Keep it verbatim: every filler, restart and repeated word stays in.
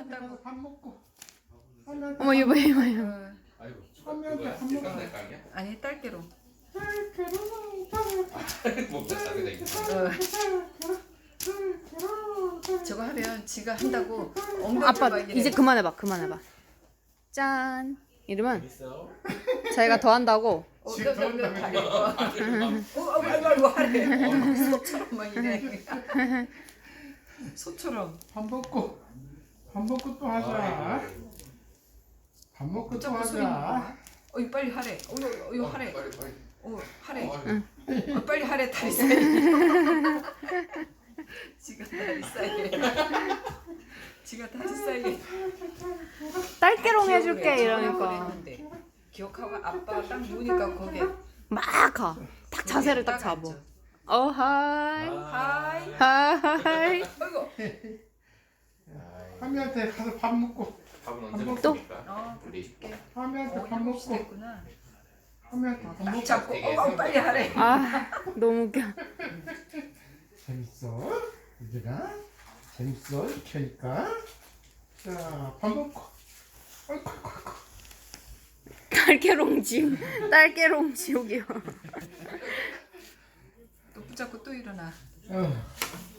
한다고. 밥 먹고. 어머 이거 봐 이거 봐. 어, 아이고. 한명한테 밥 먹고. 깐달 깡이야? 아니 딸기로. 먹자 싸게 돼. 어, 저거 하면 지가 한다고 엉덩이 아빠 막 이래. 이제 그만해봐 그만해봐. 짠. 이러면 있어. 자기가 더 한다고. 어, 지금 너, 너, 너, 더운다고 다리. 어, 어, 아이고 아이고 하래. 소처럼 막 이래. 소처럼. 밥 먹고. 밥 먹고 또 하자. 밥 먹고 또 붙잡고 서 있는 하자. 거야. 어, 이거 빨리 하래. 어, 이거, 이거 하래. 빨리 빨리. 어, 하래. 어, 어, 빨리 하래. 다리 사이. 지가 다리 사이에. 지가 다리 사이에. 딸기롱 기억을 해줄게 해. 이러니까 그랬는데. 기억하고 아빠가 딱 누우니까 거기에 막 가. 딱 자세를 딱 잡어. 어 하이 하이. 하이. 아이고. 한명한테 가서 밥 먹고. 밥은 언제 또? 먹습니까? 어, 우리. 한명한테 어, 밥 일곱 시 먹고. 됐구나. 한명한테 밥 먹고. 잡고 어, 어, 빨리 하래. 아 너무 웃겨. 재밌어? 얘들아? 재밌어? 이렇게 하니까. 자, 밥 먹고. 아이고, 아이고, 아이고. 딸기롱 지옥. 딸기롱 지옥이요. 또 붙잡고 또 일어나. 어.